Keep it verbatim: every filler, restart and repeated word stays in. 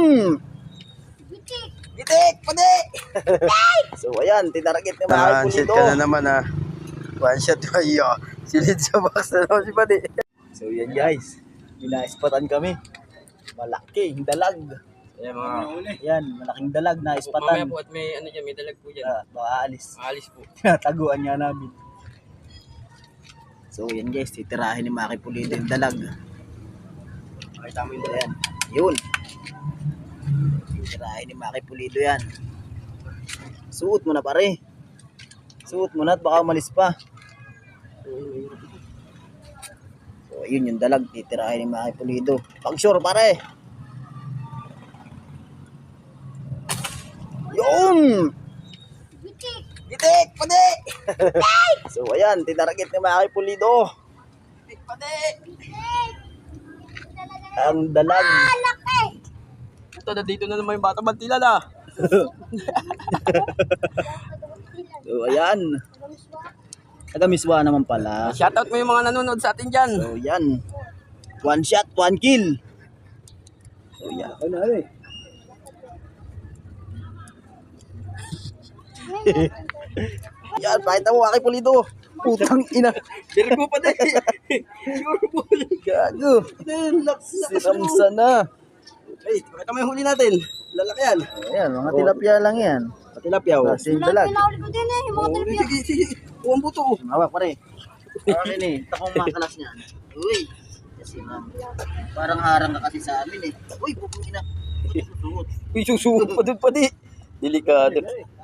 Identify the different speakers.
Speaker 1: Yun! Gitik! Pwede! So ayan, tinarget ni Maki
Speaker 2: One-shot
Speaker 1: Pulido.
Speaker 2: ka na naman ha. One-shot ba iyo? Silid sa box na naman si Padi.
Speaker 1: So yan guys, ina-spatan kami. Malaking dalag.
Speaker 3: Ayan mga.
Speaker 1: Yan, malaking dalag na
Speaker 3: Mamaya
Speaker 1: ispatan.
Speaker 3: po at may ano dyan, may dalag po dyan.
Speaker 1: Ah, baka aalis.
Speaker 3: Alis po.
Speaker 1: Tinataguan nga namin. So yan guys, titirahin ni Maki Pulido yung dalag.
Speaker 3: Makita mo yung
Speaker 1: Ayan, yun. Titirahin ni Maki Pulido yan. Suot mo na pare. Suot mo na at baka umalis pa. So yun yung dalag, titirahin ni Maki Pulido. Pag sure pare. Yun! Gitik! Pwede! So ayan, tinarget ni Maki Pulido. Gitik! Pwede! Ang dalag.
Speaker 3: Ito na dito na naman yung bata bantila na.
Speaker 1: So ayan. Taga-miswa naman pala.
Speaker 3: Shoutout mo yung mga nanonood sa atin dyan.
Speaker 1: So yan. One shot, one kill. So yan. Ano ano eh? Yan, pakita mo Maki Pulido. Putang ina.
Speaker 3: Dirgo pa din. Sure po.
Speaker 1: Gago. Si Ramsa na.
Speaker 3: Ay, pakita mo yung huli natin. Lalaki yan.
Speaker 1: Ayan, mga tilapia lang yan.
Speaker 3: Patilapia oh.
Speaker 1: Kasi dalag.
Speaker 4: Pinahuli ko din eh, yung mga
Speaker 3: Oh,
Speaker 4: tilapia.
Speaker 3: sige, sige. Huwag buto oh.
Speaker 1: Hawak pare. Akin eh. Takong makalas niyan. Uy. Kasi ma'am. Parang harang ka kasi sa amin eh. Uy, bukong ina. Susuot.
Speaker 3: Uy, susuot pa doon pa di. Delikado.